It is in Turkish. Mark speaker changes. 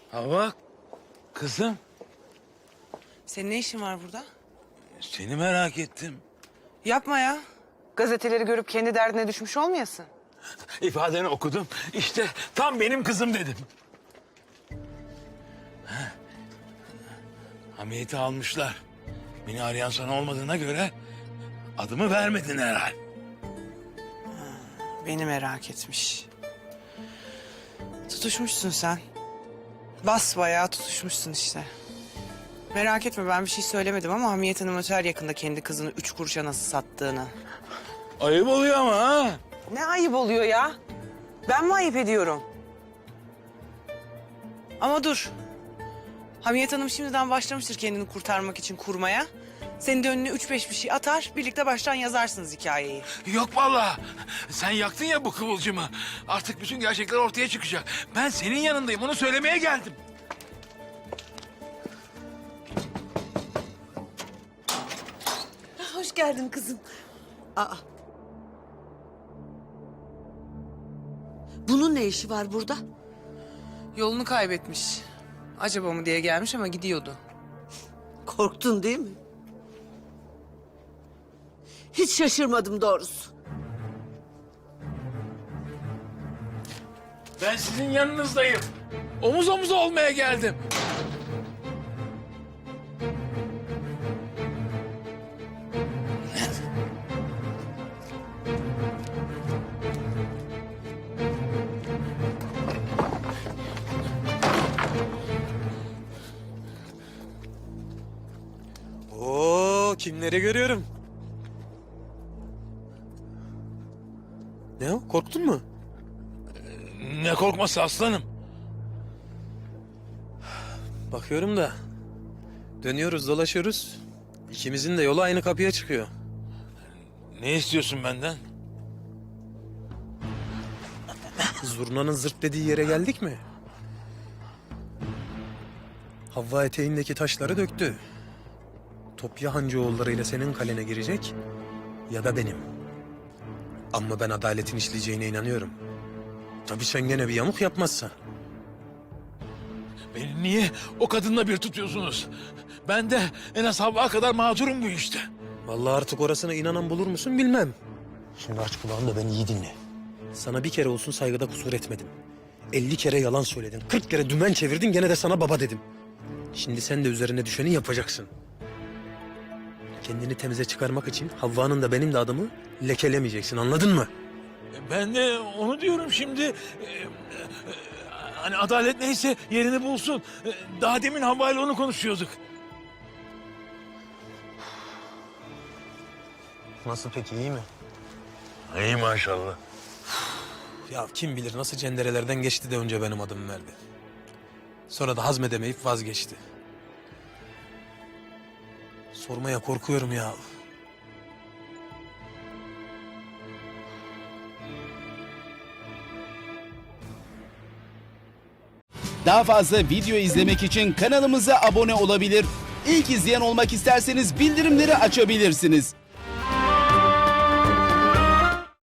Speaker 1: Hava, kızım,
Speaker 2: Senin ne işin var burada?
Speaker 1: seni merak ettim.
Speaker 2: Yapma ya. Gazeteleri görüp kendi derdine düşmüş olmayasın.
Speaker 1: İfadeni okudum. İşte tam benim kızım dedim. Hamiyeti almışlar. Beni arayan sana olmadığına göre adımı vermedin herhal.
Speaker 2: Beni merak etmiş. Tutuşmuşsun sen. Basbayağı tutuşmuşsun işte. Merak etme, ben bir şey söylemedim ama Hamiyet Hanım öter yakında kendi kızını 3 kuruşa nasıl sattığını.
Speaker 1: Ayıp oluyor ama ha.
Speaker 2: Ne ayıp oluyor ya? Ben mi ayıp ediyorum? Ama dur. Hamiyet Hanım şimdiden başlamıştır kendini kurtarmak için kurmaya. Senin de önüne 3-5 bir şey atar, birlikte baştan yazarsınız hikayeyi.
Speaker 1: Yok vallahi. Sen yaktın ya bu kıvılcımı. Artık bütün gerçekler ortaya çıkacak. Ben senin yanındayım. Onu söylemeye geldim.
Speaker 3: Hoş geldin kızım. Aa. Bunun ne işi var burada?
Speaker 2: Yolunu kaybetmiş. Acaba mı diye gelmiş ama gidiyordu.
Speaker 3: Korktun değil mi? Hiç şaşırmadım doğrusu.
Speaker 1: Ben sizin yanınızdayım. Omuz omuza olmaya geldim.
Speaker 4: Oo, kimleri görüyorum? Ne o? Korktun mu?
Speaker 1: Ne korkması aslanım.
Speaker 4: Bakıyorum da dönüyoruz, dolaşıyoruz. İkimizin de yolu aynı kapıya çıkıyor.
Speaker 1: Ne istiyorsun benden?
Speaker 4: Zurnanın zırt dediği yere geldik mi? Havva eteğindeki taşları döktü. Top ya Hancıoğulları ile senin kalene girecek ya da benim. Ama ben adaletin işleyeceğine inanıyorum. Tabii sen gene bir yamuk yapmazsan.
Speaker 1: Beni niye o kadınla bir tutuyorsunuz? Ben de en az Havva kadar mağdurum bu işte.
Speaker 4: Vallahi artık orasına inanan bulur musun bilmem. Şimdi aç kulağını da beni iyi dinle. Sana bir kere olsun saygıda kusur etmedim. 50 kere yalan söyledin. 40 kere dümen çevirdin, gene de sana baba dedim. Şimdi sen de üzerine düşeni yapacaksın. Kendini temize çıkarmak için Havva'nın da benim de adımı lekelemeyeceksin, anladın mı?
Speaker 1: Ben de onu diyorum şimdi. Hani adalet neyse yerini bulsun. Daha demin Havva ile onu konuşuyorduk.
Speaker 4: Nasıl peki, iyi mi?
Speaker 1: İyi maşallah.
Speaker 4: Ya kim bilir nasıl cenderelerden geçti de önce benim adımı verdi. Sonra da hazmedemeyip vazgeçti. Sormaya korkuyorum ya.
Speaker 5: Daha fazla video izlemek için kanalımıza abone olabilir. İlk izleyen olmak isterseniz bildirimleri açabilirsiniz.